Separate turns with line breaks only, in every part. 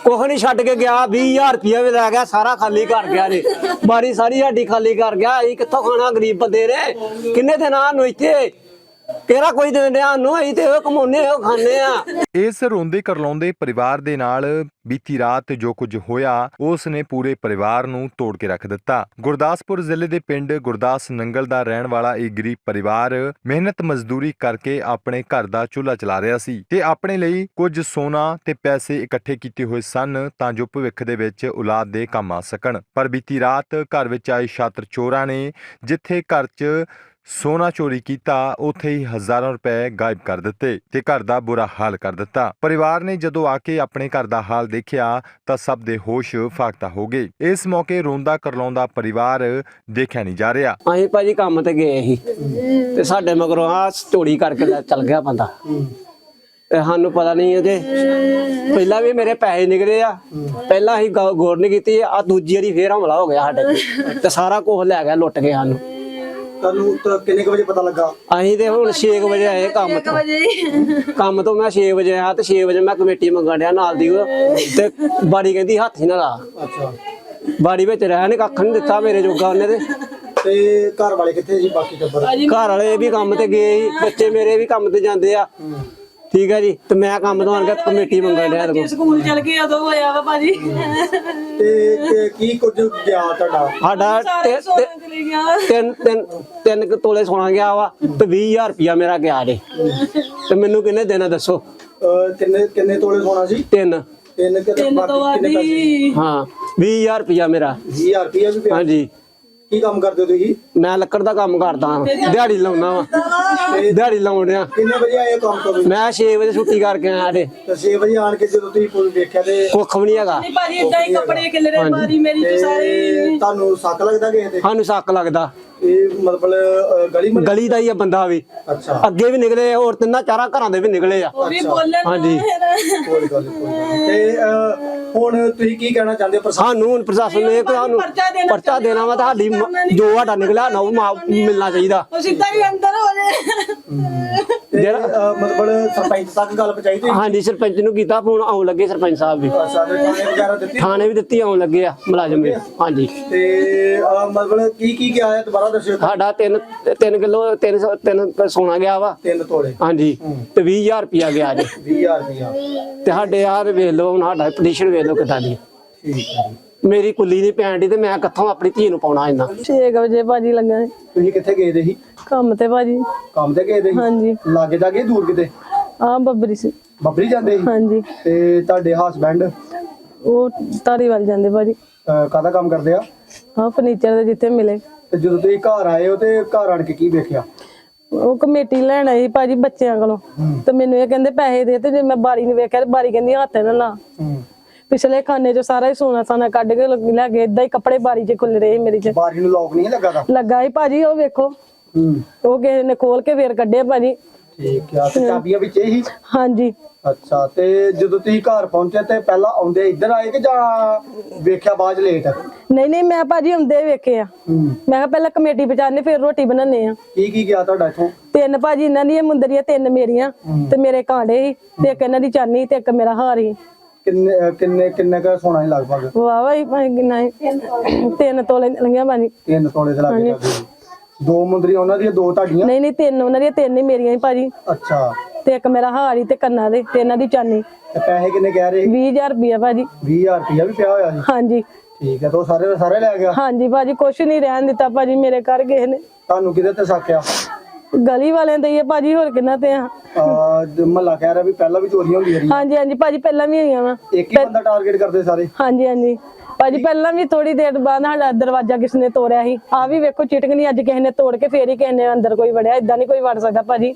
ਕੁਛ ਨਹੀਂ ਛੱਡ ਕੇ ਗਿਆ। 20,000 ਰੁਪਇਆ ਵੀ ਲੈ ਗਿਆ, ਸਾਰਾ ਖਾਲੀ ਕਰ ਗਿਆ ਨੇ। ਬਾਰੀ ਸਾਰੀ ਸਾਡੀ ਖਾਲੀ ਕਰ ਗਿਆ। ਅਸੀਂ ਕਿੱਥੋਂ ਖਾਣਾ, ਗਰੀਬ ਬੰਦੇ ਨੇ। ਕਿੰਨੇ ਦਿਨਾਂ ਨੂੰ ਇੱਥੇ ਕਿਹੜਾ ਕੋਈ ਦੇਣ ਡਿਆ ਨੂੰ, ਅਸੀਂ ਤੇ ਉਹ ਕਮਾਉਨੇ ਉਹ ਖਾਂਦੇ ਆ।
ਇਸ ਰੋਂਦੇ ਕਰਲਾਉਂਦੇ ਪਰਿਵਾਰ ਦੇ ਨਾਲ ਬੀਤੀ ਰਾਤ ਜੋ ਕੁਝ ਹੋਇਆ ਉਸ ਨੇ ਪੂਰੇ ਪਰਿਵਾਰ ਨੂੰ ਤੋੜ ਕੇ ਰੱਖ ਦਿੱਤਾ। ਗੁਰਦਾਸਪੁਰ ਜ਼ਿਲ੍ਹੇ ਦੇ ਪਿੰਡ ਗੁਰਦਾਸ ਨੰਗਲ ਦਾ ਰਹਿਣ ਵਾਲਾ ਇਹ ਗਰੀਬ ਪਰਿਵਾਰ ਮਿਹਨਤ ਮਜ਼ਦੂਰੀ ਕਰਕੇ ਆਪਣੇ ਘਰ ਦਾ ਚੁੱਲ੍ਹਾ ਚਲਾ ਰਿਹਾ ਸੀ ਤੇ ਆਪਣੇ ਲਈ ਕੁਝ ਸੋਨਾ ਤੇ ਪੈਸੇ ਇਕੱਠੇ ਕੀਤੇ ਹੋਏ ਸਨ ਤਾਂ ਜੋ ਭਵਿੱਖ ਦੇ ਵਿੱਚ ਔਲਾਦ ਦੇ ਕੰਮ ਆ ਸਕਣ। ਪਰ ਬੀਤੀ ਰਾਤ ਘਰ ਵਿੱਚ ਆਏ ਛਾਤਰ ਚੋਰਾਂ ਨੇ ਜਿੱਥੇ ਘਰ 'ਚ ਸੋਨਾ ਚੋਰੀ ਕੀਤਾ ਉੱਥੇ ਹੀ ਹਜ਼ਾਰਾਂ ਰੁਪਏ ਗਾਇਬ ਕਰ ਦਿੱਤੇ ਤੇ ਘਰ ਦਾ ਬੁਰਾ ਹਾਲ ਕਰ ਦਿੱਤਾ। ਪਰਿਵਾਰ ਨੇ ਜਦੋਂ ਆ ਕੇ ਆਪਣੇ ਘਰ ਦਾ ਹਾਲ ਦੇਖਿਆ ਤਾਂ ਸਭ ਦੇ ਹੋਸ਼ ਫਾਕਤਾ ਹੋ ਗਏ। ਇਸ ਮੌਕੇ ਰੋਂਦਾ ਕਰਲਾਉਂਦਾ ਪਰਿਵਾਰ ਦੇਖਿਆ ਨਹੀਂ ਜਾ ਰਿਹਾ।
ਅਸੀਂ ਭਾਜੀ ਕੰਮ ਤੇ ਗਏ ਸੀ ਤੇ ਸਾਡੇ ਮਗਰੋਂ ਆ ਚੋਰੀ ਕਰਕੇ ਚੱਲ ਗਿਆ ਬੰਦਾ ਤੇ ਸਾਨੂੰ ਪਤਾ ਨਹੀਂ ਉਹਦੇ ਪਹਿਲਾਂ ਵੀ ਮੇਰੇ ਪੈਸੇ ਨਿਕਲੇ ਆ। ਪਹਿਲਾਂ ਅਸੀਂ ਗੌਰ ਨਹੀਂ ਕੀਤੀ, ਆ ਦੂਜੀ ਵਾਰੀ ਫੇਰ ਹਮਲਾ ਹੋ ਗਿਆ ਸਾਡੇ ਤੇ ਸਾਰਾ ਕੁਝ ਲੈ ਗਿਆ, ਲੁੱਟ ਕੇ ਸਾਨੂੰ।
ਤੁਹਾਨੂੰ ਤਾਂ ਕਿੰਨੇ ਵਜੇ ਪਤਾ ਲੱਗਾ?
ਅਸੀਂ ਤੇ ਹੁਣ 6 ਵਜੇ ਆਏ ਕੰਮ ਤੋਂ। ਕੰਮ ਤੋਂ ਮੈਂ 6 ਵਜੇ ਆਇਆ ਤੇ 6 ਵਜੇ ਮੈਂ ਕਮੇਟੀ ਮੰਗਣ ਡਿਆ ਨਾਲ ਦੀ ਤੇ ਬਾੜੀ ਕਹਿੰਦੀ ਹੱਥ ਹੀ ਨਾ ਲਾ।
ਅੱਛਾ,
ਬਾੜੀ ਵਿੱਚ ਰਹਿ ਨੇ ਕੱਖ ਨਹੀਂ ਦਿੱਤਾ ਮੇਰੇ ਜੋਗਾ ਉਹਨੇ
ਤੇ ਘਰ ਵਾਲੇ ਕਿੱਥੇ ਜੀ? ਬਾਕੀ ਟੱਬਰ?
ਘਰ ਵਾਲੇ ਵੀ ਕੰਮ ਤੇ ਗਏ ਸੀ, ਬੱਚੇ ਮੇਰੇ ਵੀ ਕੰਮ ਤੇ ਜਾਂਦੇ ਆ। ਠੀਕ ਹੈ ਜੀ, ਤੇ ਮੈਂ ਕੰਮ ਤੋਂ ਆਣ ਕੇ ਕਮੇਟੀ ਮੰਗਣ ਡਿਆ।
ਸਕੂਲ ਚਲ ਗਏ ਉਦੋਂ ਹੋਇਆ ਵਾ ਭਾਜੀ।
ਤੇ ਕੀ ਕੁਝ ਗਿਆ ਤੁਹਾਡਾ?
ਸਾਡਾ ਤਿੰਨ ਤੋਲੇ ਸੋਨਾ ਗਿਆ ਵਾ ਤੇ 20,000 ਰੁਪਇਆ ਮੇਰਾ ਗਿਆ ਜੇ। ਤੇ ਮੈਨੂੰ ਕਿੰਨੇ ਦੇਣਾ ਦੱਸੋ?
ਕਿੰਨੇ ਤੋਲੇ ਸੋਨਾ ਸੀ?
ਤਿੰਨ
ਤੋਂ ਆਦੀ।
ਹਾਂ, 20,000 ਰੁਪਇਆ ਮੇਰਾ।
20,000 ਰੁਪਇਆ ਵੀ ਪਿਆ?
ਹਾਂਜੀ।
ਕੀ ਕੰਮ ਕਰਦੇ ਹੋ ਤੁਸੀਂ?
ਮੈਂ ਲੱਕੜ ਦਾ ਕੰਮ ਕਰਦਾ ਹਾਂ, ਦਿਹਾੜੀ ਲਾਉਣਾ ਵਾ। ਦਿਹਾੜੀ ਲਾਉਣ ਡਿਆ।
ਕਿੰਨੇ ਵਜੇ ਆਏ ਕੰਮ ਤੋਂ?
ਮੈਂ 6 ਵਜੇ ਛੁੱਟੀ ਕਰਕੇ ਆਇਆ ਤੇ
6 ਵਜੇ ਆਣ ਕੇ ਜਦੋਂ ਤੁਸੀਂ ਪੁਲ ਦੇਖਿਆ ਤੇ
ਕੁੱਖ ਵੀ ਨਹੀਂ ਹੈਗਾ।
ਨਹੀਂ ਭਾਜੀ ਇਦਾਂ ਹੀ ਕੱਪੜੇ ਖਿਲਰੇ ਮਾਰੀ ਮੇਰੀ ਤੇ ਸਾਰੀ।
ਤੁਹਾਨੂੰ ਸ਼ੱਕ ਲੱਗਦਾ ਕਿਸੇ ਤੇ?
ਸਾਨੂੰ ਸ਼ੱਕ ਲੱਗਦਾ।
ਇਹ ਮਤਲਬ
ਗਲੀ ਦਾ ਹੀ ਆ ਬੰਦਾ ਵੀ।
ਅੱਛਾ,
ਅੱਗੇ ਵੀ ਨਿਕਲੇ ਹੋਰ ਤਿੰਨਾਂ ਚਾਰਾਂ ਘਰਾਂ ਦੇ ਵੀ ਨਿਕਲੇ ਆ।
ਉਹ ਵੀ ਬੋਲਣ।
ਹਾਂਜੀ।
ਕੋਈ ਗੱਲ ਨਹੀਂ। ਤੇ ਹੁਣ ਤੁਸੀਂ ਕੀ ਕਹਿਣਾ ਚਾਹੁੰਦੇ ਹੋ?
ਸਾਨੂੰ ਹੁਣ ਪ੍ਰਸ਼ਾਸਨ ਨੇ ਸਾਨੂੰ ਪਰਚਾ ਦੇਣਾ ਵਾ, ਤੁਹਾਡੀ ਜੋ ਸਾਡਾ ਨਿਕਲਿਆ ਨਾ ਉਹ ਮਿਲਣਾ ਚਾਹੀਦਾ।
ਉਹ ਸਿੱਧਾ ਹੀ ਅੰਦਰ ਹੋ ਜੇ।
ਜਿਹੜਾ ਮਤਲਬ ਸਰਪੰਚ ਤੱਕ ਗੱਲ ਪਹੁੰਚਾਈ ਤੁਸੀਂ?
ਹਾਂਜੀ, ਸਰਪੰਚ ਨੂੰ ਕੀਤਾ ਫੋਨ, ਆਉਣ ਲੱਗੇ ਸਰਪੰਚ ਸਾਹਿਬ ਵੀ।
ਸਾਡੇ ਥਾਣੇ ਵਗੈਰਾ ਦਿੱਤੀ?
ਥਾਣੇ ਵੀ ਦਿੱਤੀ, ਆਉਣ ਲੱਗੇ ਆ ਮੁਲਾਜ਼ਮ ਵੀ। ਹਾਂਜੀ।
ਤੇ ਮਤਲਬ ਕੀ ਗਿਆ ਹੈ? ਦੁਬਾਰਾ ਦੱਸਿਓ।
ਸਾਡਾ 3 ਕਿਲੋ 3 ਸੋਨਾ ਗਿਆ ਵਾ।
3 ਤੋਲੇ?
ਹਾਂਜੀ। ਤੇ 20,000 ਰੁਪਇਆ ਗਿਆ ਜੀ।
20,000 ਰੁਪਇਆ?
ਤੇ ਸਾਡੇ ਯਾਰ ਵੇਖ ਲਓ ਹੁਣ ਸਾਡਾ ਪਟੀਸ਼ਨ ਵੇਖ ਲਓ ਕਿੱਦਾਂ ਦੀ।
ਠੀਕ ਹੈ ਜੀ।
ਮੇਰੀ ਕੁੱਲੀ ਨਹੀਂ ਪੈਣ ਦੀ ਤੇ ਮੈਂ ਕਿੱਥੋਂ ਆਪਣੀ ਧੀ ਨੂੰ ਪਾਉਣਾ ਇੰਨਾ।
6 ਵਜੇ ਭਾਜੀ ਲੱਗਾ
ਤੁਸੀਂ ਕਿੱਥੇ ਗਏ ਦੇ ਸੀ?
ਕੰਮ ਤੇ ਭਾਜੀ।
ਕੰਮ ਤੇ ਗਏ ਦੇ ਸੀ?
ਹਾਂਜੀ।
ਲਾਗੇ ਜਾ ਕੇ ਦੂਰ ਕਿਤੇ?
ਆ ਬੱਬਰੀ ਸੀ।
ਬੱਬਰੀ ਜਾਂਦੇ ਸੀ?
ਹਾਂਜੀ।
ਤੇ ਤੁਹਾਡੇ ਹਸਬੈਂਡ
ਉਹ ਧਾਰੀਵਾਲ ਜਾਂਦੇ ਭਾਜੀ।
ਕਾਹਦਾ ਕੰਮ ਕਰਦੇ ਆ?
ਹਾਂ, ਫਰਨੀਚਰ ਦੇ ਜਿੱਥੇ ਮਿਲੇ।
ਤੇ ਜਦੋਂ ਤੁਸੀਂ ਘਰ ਆਏ ਹੋ ਤੇ ਘਰ ਆਣ ਕੇ ਕੀ ਵੇਖਿਆ?
ਉਹ ਕਮੇਟੀ ਲੈਣ ਆਈ ਭਾਜੀ ਬੱਚਿਆਂ ਕੋਲੋਂ ਤੇ ਮੈਨੂੰ ਇਹ ਕਹਿੰਦੇ ਪੈਸੇ ਦੇ, ਤੇ ਜੇ ਮੈਂ ਬਾਰੀ ਨੂੰ ਵੇਖਿਆ ਤੇ ਬਾਰੀ ਕਹਿੰਦੀ ਹੱਥ ਨਾ ਲਾ। ਪਿਛਲੇ ਖਾਨੇ ਚੋਂ ਸਾਰਾ ਹੀ ਸੋਨਾ ਸਾਨਾ ਕੱਢ ਕੇ ਲੈ ਗਏ। ਏਦਾਂ ਹੀ ਕੱਪੜੇ ਬਾਰੀ 'ਚ ਖੁੱਲ ਰਹੇ ਮੇਰੀ 'ਚ।
ਬਾਰੀ ਨੂੰ ਲੋਕ ਨਹੀਂ ਲੱਗਾ?
ਲੱਗਾ ਹੀ ਭਾਜੀ, ਉਹ ਵੇਖੋ। ਉਹ ਕਿਸੇ ਨੇ ਖੋਲ ਕੇ ਫੇਰ ਕੱਢਿਆ ਭਾਜੀ।
ਠੀਕ ਆ। ਤੇ ਚਾਬੀਆਂ ਵਿੱਚ ਹੀ?
ਹਾਂਜੀ।
ਅੱਛਾ, ਤੇ ਜਦੋਂ ਤੁਸੀਂ ਘਰ ਪਹੁੰਚੇ ਤੇ ਪਹਿਲਾਂ ਆਉਂਦੇ ਇੱਧਰ ਆਏ ਕਿ ਜਾਂ ਵੇਖਿਆ ਬਾਅਦ ਲੇਟ?
ਨਹੀਂ, ਮੈਂ ਭਾਜੀ ਆਉਂਦੇ ਵੇਖੇ ਆ। ਮੈਂ ਕਿਹਾ ਪਹਿਲਾਂ ਕਮੇਟੀ ਪਹੁੰਚਾਣੇ ਫੇਰ ਰੋਟੀ ਬਣਾਉਣੇ ਆ।
ਕੀ ਗਿਆ ਤੁਹਾਡਾ ਇੱਥੋਂ?
3 ਭਾਜੀ ਇਹਨਾਂ ਦੀਆਂ ਮੁੰਦਰੀਆਂ, 3 ਮੇਰੀਆਂ ਤੇ ਮੇਰੇ ਕਾਂਡੇ ਸੀ ਤੇ ਇੱਕ ਇਹਨਾਂ ਦੀ ਚਾਨੀ ਤੇ ਇੱਕ ਮੇਰਾ ਹਾਰ ਸੀ।
ਕਿੰਨੇ ਕਾ ਸੋਨਾ ਸੀ ਲਗਭਗ?
ਵਾਹ ਵਾਹ ਕਿੰਨਾ 3 ਤੋਲੇ ਲੰਗਿਆ ਭਾਜੀ।
3 ਤੋਲੇ ਦੇ ਲੱਗੇ? 2 ਮੁੰਦਰੀਆਂ ਉਹਨਾਂ ਦੀਆਂ, 2 ਤੁਹਾਡੀਆਂ?
ਨਹੀਂ 3 ਉਹਨਾਂ ਦੀਆਂ, 3 ਹੀ ਮੇਰੀਆਂ ਭਾਜੀ।
ਅੱਛਾ।
ਤੇ ਇੱਕ ਮੇਰਾ ਹਾਰ ਹੀ ਤੇ ਕੰਨਾਂ ਦੇ ਤੇ ਇਹਨਾਂ ਦੀ ਚਾਨੀ।
ਤੇ ਪੈਸੇ ਕਿੰਨੇ ਕਹਿ ਰਹੇ?
20,000 ਰੁਪਇਆ ਭਾਜੀ।
20,000 ਰੁਪਇਆ ਵੀ ਪਿਆ ਹੋਇਆ ਸੀ?
ਹਾਂਜੀ।
ਠੀਕ ਹੈ। ਤਾਂ ਸਾਰੇ ਲੈ ਗਿਆ?
ਹਾਂਜੀ ਭਾਜੀ, ਕੁਛ ਨਹੀਂ ਰਹਿਣ ਦਿੱਤਾ ਭਾਜੀ ਮੇਰੇ ਘਰ ਗਏ ਨੇ।
ਤੁਹਾਨੂੰ ਕਿਹਦੇ ਤੇ ਸ਼ੱਕ ਆ?
ਗਲੀ ਵਾਲਿਆਂ ਦੇ ਹੀ ਆ ਭਾਜੀ, ਹੋਰ ਕਿੰਨਾ ਤੇ ਆ?
ਮਹੱਲਾ ਕਹਿ ਰਿਹਾ ਵੀ ਪਹਿਲਾਂ ਵੀ ਚੋਰੀਆਂ ਹੁੰਦੀਆਂ ਰਹੀਆਂ।
ਹਾਂਜੀ ਭਾਜੀ, ਪਹਿਲਾਂ ਵੀ ਹੋਈਆਂ ਵਾ।
ਇੱਕ ਹੀ ਬੰਦਾ ਟਾਰਗੇਟ ਕਰਦੇ ਸਾਰੇ?
ਹਾਂਜੀ ਭਾਜੀ, ਪਹਿਲਾਂ ਵੀ ਥੋੜੀ ਦੇਰ ਬਾਅਦ ਸਾਡਾ ਦਰਵਾਜ਼ਾ ਕਿਸ ਨੇ ਤੋੜਿਆ ਸੀ। ਆ ਵੀ ਵੇਖੋ ਚਿਟਕਣੀ ਅੱਜ ਕਿਸੇ ਨੇ ਤੋੜ ਕੇ ਫੇਰ ਹੀ ਕਿਸੇ ਨੇ ਅੰਦਰ ਕੋਈ ਵੜਿਆ। ਏਦਾਂ ਨਹੀਂ ਕੋਈ ਵੜ ਸਕਦਾ ਭਾਜੀ।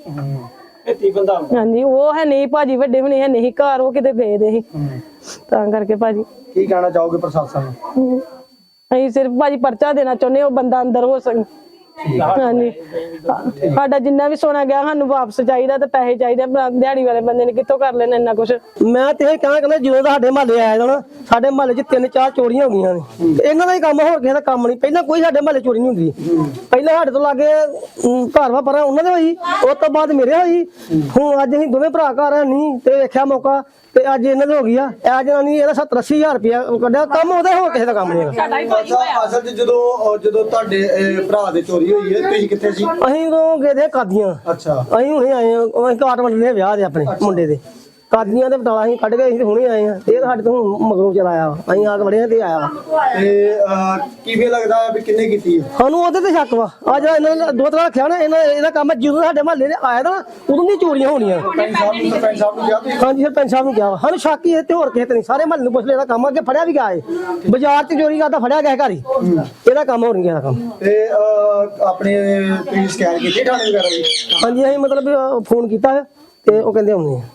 ਹਾਂਜੀ, ਉਹ ਹੈ ਨਹੀਂ ਭਾਜੀ, ਵੱਡੇ ਹੁਣੇ ਹੈ ਨਹੀਂ ਘਰ, ਉਹ ਕਿਤੇ ਗਏ ਦੇ ਸੀ ਤਾਂ ਕਰਕੇ ਭਾਜੀ।
ਕੀ ਕਹਿਣਾ ਚਾਹੋਗੇ ਪ੍ਰਸ਼ਾਸਨ ਨੂੰ?
ਅਸੀਂ ਸਿਰਫ ਭਾਜੀ ਪਰਚਾ ਦੇਣਾ ਚਾਹੁੰਦੇ, ਉਹ ਬੰਦਾ ਅੰਦਰ ਹੋ ਸਕੇ। ਹਾਂਜੀ, ਸਾਡਾ ਜਿੰਨਾ ਵੀ ਸੋਨਾ ਗਿਆ ਸਾਨੂੰ ਵਾਪਸ ਚਾਹੀਦਾ ਤੇ ਪੈਸੇ ਚਾਹੀਦੇ। ਦਿਹਾੜੀ ਵਾਲੇ ਬੰਦੇ ਨੇ ਕਿੱਥੋਂ ਕਰ ਲੈਣਾ ਇੰਨਾ ਕੁਛ।
ਮੈਂ ਤੇ ਇਹ ਕਹਿੰਦਾ ਜਦੋਂ ਸਾਡੇ ਮਹੱਲੇ ਆਏ ਨਾ
ਸਾਡੇ ਮਹੱਲੇ 'ਚ 3-4 ਚੋਰੀਆਂ ਹੋ ਗਈਆਂ ਨੇ ਤੇ ਇਹਨਾਂ ਦਾ ਹੀ ਕੰਮ, ਹੋਰ ਕਿਸੇ ਦਾ ਕੰਮ ਨਹੀਂ। ਪਹਿਲਾਂ ਕੋਈ ਸਾਡੇ ਮਹੱਲੇ ਚੋਰੀ ਨਹੀਂ ਹੁੰਦੀ। ਪਹਿਲਾਂ ਸਾਡੇ ਤੋਂ ਲਾਗੇ ਘਰ ਵਾ ਪਰਾਂ ਉਹਨਾਂ ਦੇ ਹੋਈ, ਉਸ ਤੋਂ ਬਾਅਦ ਮੇਰੇ ਹੋਈ। ਹੁਣ ਅੱਜ ਅਸੀਂ ਦੋਵੇਂ ਭਰਾ ਘਰ ਨਹੀਂ ਤੇ ਵੇਖਿਆ ਮੌਕਾ ਤੇ ਅੱਜ ਇਹਨਾਂ ਦੇ ਹੋ ਗਈ ਆ। ਇਹ ਜਨਾਨੀ ਇਹਦਾ 70-80 ਹਜ਼ਾਰ ਰੁਪਇਆ ਕੱਢਿਆ, ਕੰਮ ਉਹਦਾ, ਹੋਰ ਕਿਸੇ ਦਾ ਕੰਮ ਨਹੀਂ ਹੈਗਾ।
ਅਸਲ 'ਚ ਜਦੋਂ ਤੁਹਾਡੇ ਭਰਾ ਦੇ ਚੋਰੀ ਹੋਈ ਹੈ ਤੁਸੀਂ ਕਿੱਥੇ ਸੀ?
ਅਸੀਂ ਉਦੋਂ ਗਏ ਦੇ ਕਾਦੀਆਂ।
ਅੱਛਾ।
ਅਸੀਂ ਹੁਣੇ ਆਏ ਆ, ਅਸੀਂ ਕਾਟ ਵੰਡਣੇ ਵਿਆਹ ਦੇ ਆਪਣੇ ਮੁੰਡੇ ਦੇ ਕਾਦੀਆਂ ਦੇ ਬਟਾਲਾ ਅਸੀਂ ਕੱਢ ਕੇ ਅਸੀਂ ਹੁਣੇ ਆਏ ਆ। ਇਹ ਸਾਡੇ ਤੋਂ ਮਗਰੋਂ ਚਲਾਇਆ ਵਾ, ਅਸੀਂ ਆ ਕੇ ਵੜਿਆ ਤੇ ਆਇਆ ਵਾ।
ਤੇ ਕਿਵੇਂ ਲੱਗਦਾ ਵੀ ਕਿੰਨੇ ਕੀਤੀ ਹੈ?
ਸਾਨੂੰ ਉਹਦੇ ਤੇ ਸ਼ੱਕ ਵਾ। ਆ ਜਿਹੜਾ ਇਹਨਾਂ ਨੇ ਦੋ ਤਰ੍ਹਾਂ ਰੱਖਿਆ ਨਾ, ਇਹਦਾ ਕੰਮ ਜਦੋਂ ਸਾਡੇ ਮਹੱਲੇ ਨੇ ਆਇਆ ਤਾਂ ਉਦੋਂ ਦੀ ਚੋਰੀਆਂ ਹੋਣੀਆਂ।
ਸਰਪੰਚ ਸਾਹਿਬ ਨੂੰ ਕਿਹਾ ਤੁਸੀਂ?
ਹਾਂਜੀ ਸਰਪੰਚ ਸਾਹਿਬ ਨੂੰ ਕਿਹਾ ਵਾ। ਸਾਨੂੰ ਸ਼ੱਕ ਹੀ ਇਹ ਤੇ ਹੋਰ ਕਿਸੇ ਤੇ ਨਹੀਂ। ਸਾਰੇ ਮਹੱਲੇ ਨੂੰ ਪੁੱਛ ਲਿਆ, ਇਹਦਾ ਕੰਮ ਅੱਗੇ ਫੜਿਆ ਵੀ ਗਿਆ ਏ। ਬਾਜ਼ਾਰ 'ਚ ਚੋਰੀ ਕਰਦਾ ਫੜਿਆ ਗਿਆ ਘਰ ਹੀ। ਇਹਦਾ ਕੰਮ ਹੋਰ ਨਹੀਂ ਗਿਆ ਕੰਮ।
ਤੇ ਆਪਣੇ ਤੁਸੀਂ ਸਕੈਨ ਕੀਤੀ ਥਾਣੇ ਵਗੈਰਾ ਦੀ?
ਹਾਂਜੀ ਅਸੀਂ ਮਤਲਬ ਫੋਨ ਕੀਤਾ ਤੇ ਉਹ ਕਹਿੰਦੇ ਆਉਂਦੇ ਆ।